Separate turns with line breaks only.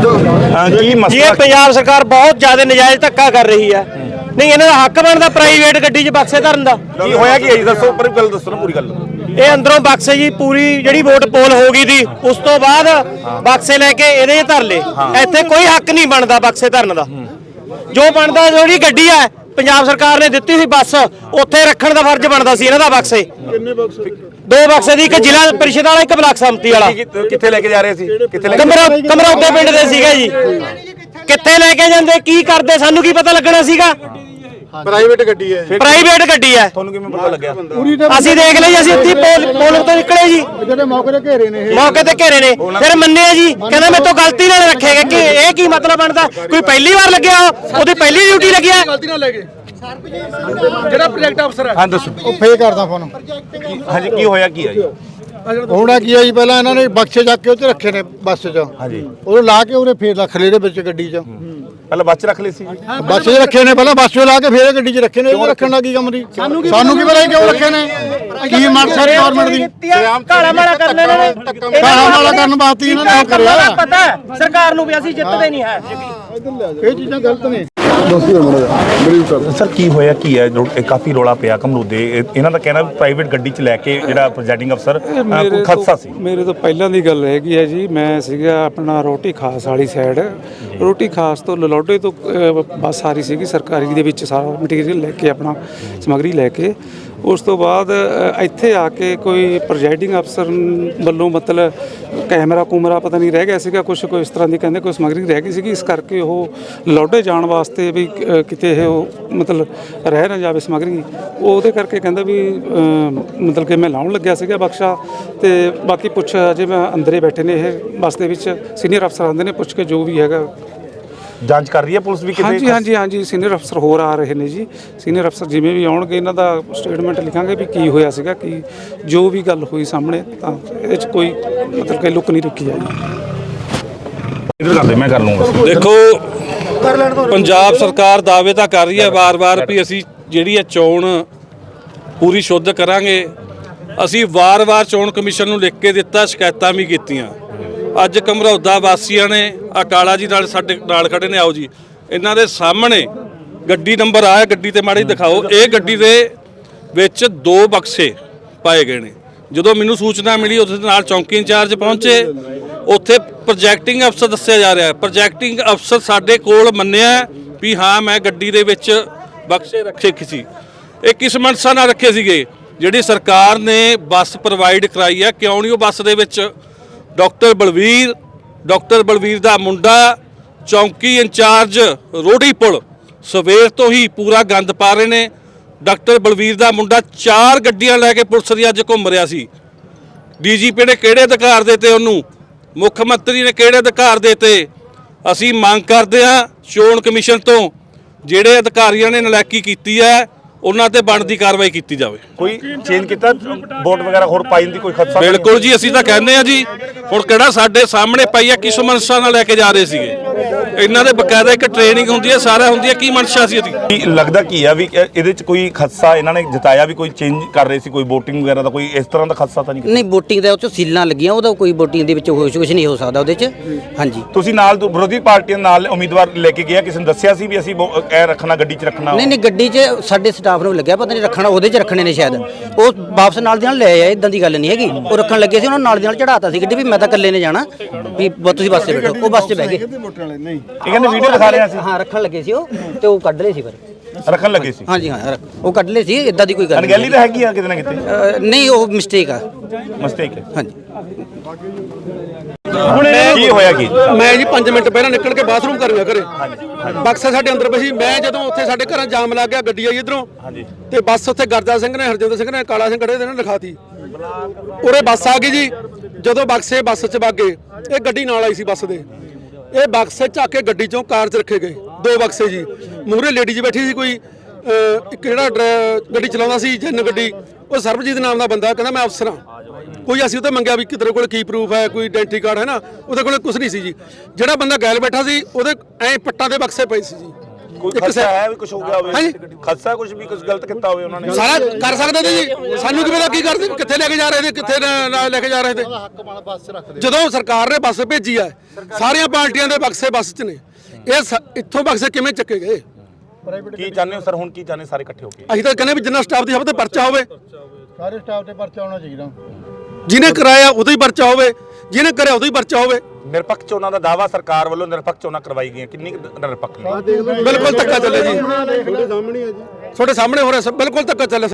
ਕੀ ਮਸਲਾ
ਇਹ ਪੰਜਾਬ ਸਰਕਾਰ ਬਹੁਤ ਜ਼ਿਆਦਾ ਨਜਾਇਜ਼ ਧੱਕਾ ਕਰ ਰਹੀ ਹੈ। ਨਹੀਂ ਇਹਨਾਂ ਦਾ ਹੱਕ ਬਣਦਾ ਪ੍ਰਾਈਵੇਟ ਗੱਡੀ 'ਚ ਬਕਸੇ ਧਰਨ ਦਾ।
ਕੀ ਹੋਇਆ ਕੀ ਹੈ ਜੀ ਦੱਸੋ, ਪਰ ਗੱਲ ਦੱਸੋ ਨਾ ਪੂਰੀ ਗੱਲ।
ਇਹ ਅੰਦਰੋਂ ਬਕਸੇ ਜੀ ਪੂਰੀ ਜਿਹੜੀ ਵੋਟ ਪੋਲ ਹੋ ਗਈ ਸੀ ਉਸ ਤੋਂ ਬਾਅਦ ਬਕਸੇ ਲੈ ਕੇ ਇਹਦੇ ਧਰ ਲਏ। ਇੱਥੇ ਕੋਈ ਹੱਕ ਨਹੀਂ ਬਣਦਾ ਬਕਸੇ ਧਰਨ ਦਾ। ਜੋ ਬਣਦਾ ਜਿਹੜੀ ਗੱਡੀ ਹੈ ਪੰਜਾਬ ਸਰਕਾਰ ਨੇ ਦਿੱਤੀ ਸੀ ਬੱਸ ਉੱਥੇ ਰੱਖਣ ਦਾ ਫਰਜ਼ ਬਣਦਾ ਸੀ ਇਹਨਾਂ ਦਾ। ਬਕਸੇ ਕਿੰਨੇ ਬਕਸੇ? 2 ਬਕਸੇ ਦੀ, ਇੱਕ ਜ਼ਿਲ੍ਹਾ ਪਰਿਸ਼ਦ ਵਾਲਾ, ਇੱਕ ਬਲਾਕ ਸੰਮਤੀ ਵਾਲਾ।
ਕਿੱਥੇ ਲੈ ਕੇ ਜਾ ਰਹੇ ਸੀ? ਕਿੱਥੇ ਲੈ ਕੇ?
ਕਮਰੌਦੇ ਪਿੰਡ ਦੇ ਸੀਗੇ ਜੀ। ਕਿੱਥੇ ਲੈ ਕੇ ਜਾਂਦੇ, ਕੀ ਕਰਦੇ, ਸਾਨੂੰ ਕੀ ਪਤਾ ਲੱਗਣਾ ਸੀਗਾ।
ਪ੍ਰਾਈਵੇਟ ਗੱਡੀ ਹੈ।
ਪ੍ਰਾਈਵੇਟ ਗੱਡੀ ਹੈ।
ਤੁਹਾਨੂੰ ਕਿਵੇਂ ਪਤਾ ਲੱਗਿਆ?
ਅਸੀਂ ਦੇਖ ਲਈ, ਅਸੀਂ ਇੱਥੇ ਪੋਲ ਤੋਂ ਨਿਕਲੇ ਜੀ।
ਜਿਹੜੇ ਮੌਕੇ ਤੇ ਘੇਰੇ ਨੇ,
ਮੌਕੇ ਤੇ ਘੇਰੇ ਨੇ, ਫਿਰ ਮੰਨਿਆ ਜੀ। ਕਹਿੰਦਾ ਮੇਰੇ ਤੋਂ ਗਲਤੀ ਨਾਲ ਰੱਖੇਗਾ ਕਿ ਇਹ ਕੀ ਮਤਲਬ ਬਣਦਾ? ਕੋਈ ਪਹਿਲੀ ਵਾਰ ਲੱਗਿਆ, ਉਹਦੀ ਪਹਿਲੀ ਡਿਊਟੀ ਲੱਗਿਆ।
ਗਲਤੀ ਨਾਲ ਲੈ ਗਏ ਜਿਹੜਾ ਪ੍ਰੋਜੈਕਟ ਅਫਸਰ ਹੈ।
ਹਾਂ ਦੱਸੋ।
ਉਹ ਫੇਰ ਕਰਦਾ ਫੋਨ।
ਹਾਂਜੀ ਕੀ ਹੋਇਆ ਕੀ ਹੈ ਜੀ?
ਹੋਣਾ ਕੀ ਹੈ ਜੀ, ਪਹਿਲਾਂ ਇਹਨਾਂ ਨੇ ਬਕਸੇ ਚੱਕ ਕੇ ਉੱਤੇ ਰੱਖੇ ਨੇ ਬੱਸ 'ਚ।
ਹਾਂਜੀ।
ਉਹ ਲਾ ਕੇ ਉਹਨੇ ਫੇਰ ਰੱਖ ਲਏ ਇਹਦੇ ਵਿੱਚ ਗੱਡੀ 'ਚ।
ਪਹਿਲਾਂ ਬੱਚ ਰੱਖ ਲਈ ਸੀ?
ਬੱਸ 'ਚ ਰੱਖੇ ਨੇ, ਪਹਿਲਾਂ ਬੱਸ 'ਚ ਲਾ ਕੇ ਫੇਰ ਗੱਡੀ 'ਚ ਰੱਖੇ ਨੇ। ਇਹ ਰੱਖਣ ਦਾ ਕੀ ਕੰਮ ਦੀ? ਸਾਨੂੰ ਕੀ ਪਤਾ ਕਿਉਂ ਰੱਖੇ ਨੇ? ਕੀ ਮਨ ਸਾਰੀ ਗਵਰਨਮੈਂਟ ਦੀ
ਕਾਲਾ ਮਾਲਾ ਕਰਨੇ ਨੇ।
ਕਾਲਾ ਮਾਲਾ ਕਰਨ ਵਾਸਤੇ ਇਹਨਾਂ ਨੇ ਕਰਿਆ।
ਪਤਾ ਸਰਕਾਰ ਨੂੰ ਵੀ ਅਸੀਂ ਜਿੱਤਦੇ ਨਹੀਂ ਹੈ।
ਇਹ ਚੀਜ਼ਾਂ ਗਲਤ ਨੇ।
ਸਰ ਕੀ ਹੋਇਆ ਕੀ ਹੈ? ਕਾਫੀ ਰੌਲਾ ਪਿਆ ਕਮਰੂਦੇ। ਇਹਨਾਂ ਦਾ ਕਹਿਣਾ ਪ੍ਰਾਈਵੇਟ ਗੱਡੀ 'ਚ ਲੈ ਕੇ ਜਿਹੜਾ ਪ੍ਰੈਜ਼ਾਈਡਿੰਗ ਅਫਸਰ ਕੋਈ ਖਦਸ਼ਾ ਸੀ।
ਮੇਰੇ ਤੋਂ ਪਹਿਲਾਂ ਦੀ ਗੱਲ ਹੈਗੀ ਹੈ ਜੀ। ਮੈਂ ਸੀਗਾ ਆਪਣਾ ਰੋਟੀ ਖਾਸ ਵਾਲੀ ਸਾਈਡ, ਰੋਟੀ ਖਾਸ ਤੋਂ ਲਲੋਡੇ ਤੋਂ ਬੱਸ ਆ ਰਹੀ ਸੀਗੀ ਸਰਕਾਰੀ ਦੇ ਵਿੱਚ, ਸਾਰਾ ਮਟੀਰੀਅਲ ਲੈ ਕੇ, ਆਪਣਾ ਸਮੱਗਰੀ ਲੈ ਕੇ। ਉਸ ਤੋਂ ਬਾਅਦ ਇੱਥੇ ਆ ਕੇ ਕੋਈ ਪ੍ਰੈਜ਼ਾਈਡਿੰਗ ਅਫਸਰ ਵੱਲੋਂ ਮਤਲਬ ਕੈਮਰਾ ਕੁਮਰਾ ਪਤਾ ਨਹੀਂ ਰਹਿ ਗਿਆ ਸੀਗਾ, ਕੁਛ ਕੋਈ ਇਸ ਤਰ੍ਹਾਂ ਦੀ ਕਹਿੰਦੇ ਕੋਈ ਸਮੱਗਰੀ ਰਹਿ ਗਈ ਸੀਗੀ। ਇਸ ਕਰਕੇ ਉਹ ਲਲੋਡੇ ਜਾਣ ਵਾਸਤੇ ਵੀ ਕਿਤੇ ਇਹ ਉਹ ਮਤਲਬ ਰਹਿ ਨਾ ਜਾਵੇ ਸਮੱਗਰੀ, ਉਹਦੇ ਕਰਕੇ ਕਹਿੰਦਾ ਵੀ ਮਤਲਬ ਕਿ ਮੈਂ ਲਾਉਣ ਲੱਗਿਆ ਸੀਗਾ ਬਖਸ਼ਾ। ਤੇ ਬਾਕੀ ਪੁੱਛ ਅਜੇ ਮੈਂ ਅੰਦਰੇ ਬੈਠੇ ਨੇ ਇਹ ਬੱਸ ਦੇ ਵਿੱਚ, ਸੀਨੀਅਰ ਅਫਸਰ ਆਉਂਦੇ ਨੇ, ਪੁੱਛ ਕੇ ਜੋ ਵੀ ਹੈਗਾ
ਜਾਂਚ ਕਰ ਰਹੀ ਹੈ ਪੁਲਿਸ ਵੀ ਕਿਤੇ?
ਹਾਂਜੀ ਸੀਨੀਅਰ ਅਫਸਰ ਹੋਰ ਆ ਰਹੇ ਨੇ ਜੀ। ਸੀਨੀਅਰ ਅਫਸਰ ਜਿਵੇਂ ਵੀ ਆਉਣਗੇ ਇਹਨਾਂ ਦਾ ਸਟੇਟਮੈਂਟ ਲਿਖਾਂਗੇ ਵੀ ਕੀ ਹੋਇਆ ਸੀਗਾ, ਕੀ ਜੋ ਵੀ ਗੱਲ ਹੋਈ ਸਾਹਮਣੇ, ਤਾਂ ਇਹਦੇ 'ਚ ਕੋਈ ਮਤਲਬ ਕਿ ਲੁੱਕ ਨਹੀਂ ਰੱਖੀ ਜਾਏਗੀ।
ਮੈਂ ਕਰ ਲੂੰਗਾ।
ਦੇਖੋ ਪੰਜਾਬ ਸਰਕਾਰ ਦਾਅਵੇ ਤਾਂ ਕਰ ਰਹੀ ਹੈ ਵਾਰ-ਵਾਰ ਵੀ ਅਸੀਂ ਜਿਹੜੀ ਹੈ ਚੋਣ ਪੂਰੀ ਸ਼ੁੱਧ ਕਰਾਂਗੇ। ਅਸੀਂ ਵਾਰ-ਵਾਰ ਚੋਣ ਕਮਿਸ਼ਨ ਨੂੰ ਲਿਖ ਕੇ ਦਿੱਤਾ, ਸ਼ਿਕਾਇਤਾਂ ਵੀ ਕੀਤੀਆਂ। ਅੱਜ ਕਮਰੌਦਾ ਵਾਸੀਆਂ ਨੇ ਆ ਕਾਲਾ ਜੀ ਨਾਲ ਸਾਡੇ ਨਾਲ ਖੜੇ ਨੇ, ਆਓ ਜੀ ਇਹਨਾਂ ਦੇ ਸਾਹਮਣੇ ਗੱਡੀ ਨੰਬਰ ਆਇਆ, ਗੱਡੀ ਤੇ ਮਾੜੀ ਦਿਖਾਓ। ਇਹ ਗੱਡੀ ਦੇ ਵਿੱਚ 2 ਬਕਸੇ ਪਾਏ ਗਏ ਨੇ। ਜਦੋਂ ਮੈਨੂੰ ਸੂਚਨਾ ਮਿਲੀ ਉਸ ਨਾਲ ਚੌਂਕੀ ਇੰਚਾਰਜ ਪਹੁੰਚੇ। ਉੱਥੇ ਪ੍ਰੋਜੈਕਟਿੰਗ ਅਫਸਰ ਦੱਸਿਆ ਜਾ ਰਿਹਾ। ਪ੍ਰੋਜੈਕਟਿੰਗ ਅਫਸਰ ਸਾਡੇ ਕੋਲ ਮੰਨਿਆ ਵੀ ਹਾਂ ਮੈਂ ਗੱਡੀ ਦੇ ਵਿੱਚ ਬਕਸੇ ਰੱਖੇ ਸੀ। ਇਹ ਕਿਸ ਮਨਸਾ ਨਾਲ ਰੱਖੇ ਸੀਗੇ? ਜਿਹੜੀ ਸਰਕਾਰ ਨੇ ਬੱਸ ਪ੍ਰੋਵਾਈਡ ਕਰਾਈ ਹੈ, ਕਿਉਂ ਨਹੀਂ ਉਹ ਬੱਸ ਦੇ ਵਿੱਚ ਡਾਕਟਰ ਬਲਵੀਰ ਦਾ ਮੁੰਡਾ ਚੌਂਕੀ ਇੰਚਾਰਜ ਰੋੜੀ ਪੁਲ ਸਵੇਰ ਤੋਂ ਹੀ ਪੂਰਾ ਗੰਦ ਪਾ ਰਹੇ ਨੇ। ਡਾਕਟਰ ਬਲਵੀਰ ਦਾ ਮੁੰਡਾ 4 ਗੱਡੀਆਂ ਲੈ ਕੇ ਪੁਲਿਸ ਦੀ ਅੱਜ ਘੁੰਮ ਰਿਹਾ ਸੀ। ਡੀਜੀਪੀ ਨੇ ਕਿਹੜੇ ਅਧਿਕਾਰ ਦਿੱਤੇ ਉਹਨੂੰ? ਮੁੱਖ ਮੰਤਰੀ ਨੇ ਕਿਹੜੇ ਅਧਿਕਾਰ ਦਿੱਤੇ? ਅਸੀਂ ਮੰਗ ਕਰਦੇ ਹਾਂ ਚੋਣ ਕਮਿਸ਼ਨ ਤੋਂ ਜਿਹੜੇ ਅਧਿਕਾਰੀਆਂ ਨੇ ਨਲਾਇਕੀ ਕੀਤੀ ਹੈ ਉਹਨਾਂ ਤੇ ਬਣਦੀ ਕਾਰਵਾਈ ਕੀਤੀ ਜਾਵੇ।
ਕੋਈ ਚੇਂਜ ਕੀਤਾ ਵੋਟ ਵਗੈਰਾ ਹੋਰ ਪਾਈਨ ਦੀ ਕੋਈ ਖਦਸ਼ਾ?
ਬਿਲਕੁਲ ਜੀ, ਅਸੀਂ ਤਾਂ ਕਹਿੰਦੇ ਆ ਜੀ। ਹੁਣ ਕਿਹੜਾ ਸਾਡੇ ਸਾਹਮਣੇ ਪਈ ਆ, ਕਿਸ ਮਨਸ਼ਾ ਨਾਲ ਲੈ ਕੇ ਜਾ ਰਹੇ ਸੀਗੇ? ਇਹਨਾਂ ਦੇ ਬਕਾਇਦਾ ਇੱਕ ਟ੍ਰੇਨਿੰਗ ਹੁੰਦੀ ਹੈ, ਸਾਰਾ ਹੁੰਦੀ ਹੈ, ਕੀ ਮਨਸ਼ਾ ਸੀ ਇਹਦੀ?
ਕੀ ਲੱਗਦਾ ਕੀ ਆ ਵੀ ਇਹਦੇ 'ਚ ਕੋਈ ਖਦਸ਼ਾ ਇਹਨਾਂ ਨੇ ਜਤਾਇਆ ਵੀ ਕੋਈ ਚੇਂਜ ਕਰ ਰਹੇ ਸੀ, ਕੋਈ VOTING ਵਗੈਰਾ ਦਾ ਕੋਈ ਇਸ ਤਰ੍ਹਾਂ ਦਾ ਖਦਸ਼ਾ ਤਾਂ ਨਹੀਂ?
ਨਹੀਂ, VOTING ਦਾ ਉਹ 'ਚ ਸੀਲਾਂ ਲੱਗੀਆਂ, ਉਹਦਾ ਕੋਈ VOTING ਦੇ ਵਿੱਚ ਕੁਝ ਨਹੀਂ ਹੋ ਸਕਦਾ ਉਹਦੇ 'ਚ। ਹਾਂਜੀ,
ਤੁਸੀਂ ਨਾਲ ਵਿਰੋਧੀ ਪਾਰਟੀਆਂ ਨਾਲ ਉਮੀਦਵਾਰ ਲੈ ਕੇ ਗਿਆ, ਕਿਸੇ ਨੂੰ ਦੱਸਿਆ ਸੀ ਵੀ ਅਸੀਂ ਇਹ ਰੱਖਣਾ, ਗੱਡੀ 'ਚ ਰੱਖਣਾ?
ਨਹੀਂ ਗੱਡੀ 'ਚ ਸਾਡੇ ਸਟਾਫ ਨੂੰ ਲੱਗਿਆ, ਪਤਾ ਨਹੀਂ ਰੱਖਣਾ ਉਹਦੇ 'ਚ ਰੱਖਣੇ ਨੇ ਸ਼ਾਇਦ। ਉਹ ਵਾਪਸ ਨਾਲ ਦੀ ਨਾਲ ਲੈ ਆਏ, ਇਦਾਂ ਦੀ ਗੱਲ ਨਹੀਂ ਹੈਗੀ। ਉਹ ਰੱਖਣ ਲੱਗੇ ਸੀ, ਉਹਨਾਂ ਨਾਲ ਦੀ ਨਾਲ ਚੜਾਤਾ ਸੀ ਗੱਡੀ ਵੀ ਮੈਂ ਤਾਂ ਇਕੱਲੇ ਨੇ ਜਾਣਾ ਵੀ ਤੁਸੀਂ ਬੱਸ 'ਤੇ ਬੈਠੋ। ਉਹ ਬੱਸ 'ਚ ਬਹਿ ਗਏ।
ਇਹ ਕਹਿੰਦੇ ਵੀਡੀਓ ਦਿਖਾ ਰਹੇ ਸੀ।
ਹਾਂ, ਰੱਖਣ ਲੱਗੇ ਸੀ ਉਹ, ਤੇ ਉਹ ਕੱਢ ਲਏ ਸੀ ਫਿਰ।
ਰੱਖਣ ਲੱਗੇ ਸੀ?
ਹਾਂਜੀ ਹਾਂ, ਉਹ ਕੱਢ ਲਏ ਸੀ, ਇਦਾਂ ਦੀ ਕੋਈ ਗੱਲ ਨਹੀਂ।
ਅਣਗਹਿਲੀ ਤਾਂ ਹੈਗੀ ਆ ਕਿਤੇ ਨਾ ਕਿਤੇ?
ਨਹੀਂ, ਉਹ ਮਿਸਟੇਕ ਆ।
ਮਿਸਟੇਕ ਹੈ?
ਹਾਂਜੀ।
ਕੀ ਹੋਇਆ ਕੀ?
ਮੈਂ ਜੀ 5 ਮਿੰਟ ਪਹਿਲਾਂ ਨਿਕਲ ਕੇ ਬਾਥਰੂਮ ਕਰ ਗਿਆ ਘਰੇ। ਬਕਸਾ ਸਾਡੇ ਅੰਦਰ ਪਈ ਸੀ। ਮੈਂ ਜਦੋਂ ਉੱਥੇ ਸਾਡੇ ਘਰਾਂ ਜਾਮ ਲੱਗ ਗਿਆ, ਗੱਡੀ ਆਈ ਇਧਰੋਂ, ਤੇ ਬੱਸ ਉੱਥੇ ਗਰਜਾ ਸਿੰਘ ਨੇ, ਹਰਜਿੰਦਰ ਸਿੰਘ ਨੇ, ਕਾਲਾ ਸਿੰਘ ਖੜੇ ਨੇ, ਲਿਖਾਤੀ ਉਰੇ ਬੱਸ ਆ ਗਈ ਜੀ। ਜਦੋਂ ਬਕਸੇ ਬੱਸ 'ਚ ਵਗ ਗਏ, ਇਹ ਗੱਡੀ ਨਾਲ ਆਈ ਸੀ ਬੱਸ ਦੇ। ਇਹ ਬਕਸੇ ਚੱਕ ਕੇ ਗੱਡੀ 'ਚੋਂ ਕਾਰ 'ਚ ਰੱਖੇ ਗਏ 2 ਬਕਸੇ ਜੀ। ਮੂਹਰੇ ਲੇਡੀ ਜੀ ਬੈਠੀ ਸੀ, ਕੋਈ ਇੱਕ ਜਿਹੜਾ ਗੱਡੀ ਚਲਾਉਂਦਾ ਸੀ ਜਨ ਗੱਡੀ, ਉਹ ਸਰਬਜੀਤ ਨਾਮ ਦਾ ਬੰਦਾ, ਕਹਿੰਦਾ ਮੈਂ ਅਫਸਰ ਹਾਂ। ਕੋਈ ਅਸੀਂ ਉਹ ਤੋਂ ਮੰਗਿਆ ਵੀ ਤੇਰੇ ਕੋਲ ਕੀ ਪ੍ਰੂਫ ਹੈ, ਕੋਈ ਆਇਡੈਂਟੀ ਕਾਰਡ ਹੈ ਨਾ? ਉਹਦੇ ਕੋਲ ਕੁਝ ਨਹੀਂ ਸੀ ਜੀ। ਜਿਹੜਾ ਬੰਦਾ ਗੈਲ ਬੈਠਾ ਸੀ ਉਹਦੇ ਐਂ ਪੱਟਾਂ ਦੇ ਬਕਸੇ ਪਏ ਸੀ ਜੀ।
ਕੋਈ ਖਦਸ਼ਾ ਹੈ ਵੀ ਕੁਝ ਹੋ ਗਿਆ ਹੋਵੇ ਖਦਸ਼ਾ ਕੁਝ ਵੀ ਕੁਝ ਗਲਤ ਕੀਤਾ ਹੋਵੇ ਉਹਨਾਂ ਨੇ
ਸਾਰਾ ਕਰ ਸਕਦੇ ਤੇ ਜੀ ਸਾਨੂੰ ਕੀ ਪਤਾ ਕੀ ਕਰਦੇ ਕਿੱਥੇ ਲੈ ਕੇ ਜਾ ਰਹੇ ਨੇ ਕਿੱਥੇ ਨਾ ਲੈ ਕੇ ਜਾ ਰਹੇ ਤੇ ਜਦੋਂ ਸਰਕਾਰ ਨੇ ਬੱਸ ਭੇਜੀ ਆ ਸਾਰੀਆਂ ਪਾਰਟੀਆਂ ਦੇ ਬਕਸੇ ਬੱਸ 'ਚ ਨੇ ਇਹ ਇੱਥੋਂ ਬਕਸੇ ਕਿਵੇਂ ਚੱਕੇ ਗਏ
ਕੀ ਚਾਹੁੰਦੇ ਹੋ ਸਰ ਹੁਣ ਕੀ ਚਾਹੁੰਦੇ ਸਾਰੇ ਇਕੱਠੇ ਹੋ ਕੇ
ਅਸੀਂ ਤਾਂ ਕਹਿੰਦੇ ਵੀ ਜਿੰਨਾ ਸਟਾਫ ਦੀ ਸਭ ਤੇ ਪਰਚਾ ਹੋਵੇ
ਸਾਰੇ ਸਟਾਫ ਤੇ ਪਰਚਾ ਹੋਣਾ ਚਾਹੀਦਾ
ਜਿਹਨੇ ਕਰਾਇਆ ਉਹਦਾ ਹੀ ਪਰਚਾ ਹੋਵੇ ਜਿਹਨੇ ਕਰਿਆ ਉਹਦਾ ਹੀ ਪਰਚਾ ਹੋਵੇ
ਨਿਰਪੱਖ ਚੋਣਾਂ ਦਾ ਦਾਅਵਾ ਸਰਕਾਰ ਵੱਲੋਂ ਨਿਰਪੱਖ ਚੋਣਾਂ ਕਰਵਾਈ ਗਈਆਂ ਕਿੰਨੀ ਨਿਰਪੱਖ
ਬਿਲਕੁਲ ਧੱਕਾ ਚੱਲੇ ਜੀ ਤੁਹਾਡੇ ਸਾਹਮਣੇ ਹੋ ਰਿਹਾ ਬਿਲਕੁਲ ਧੱਕਾ ਚੱਲੇ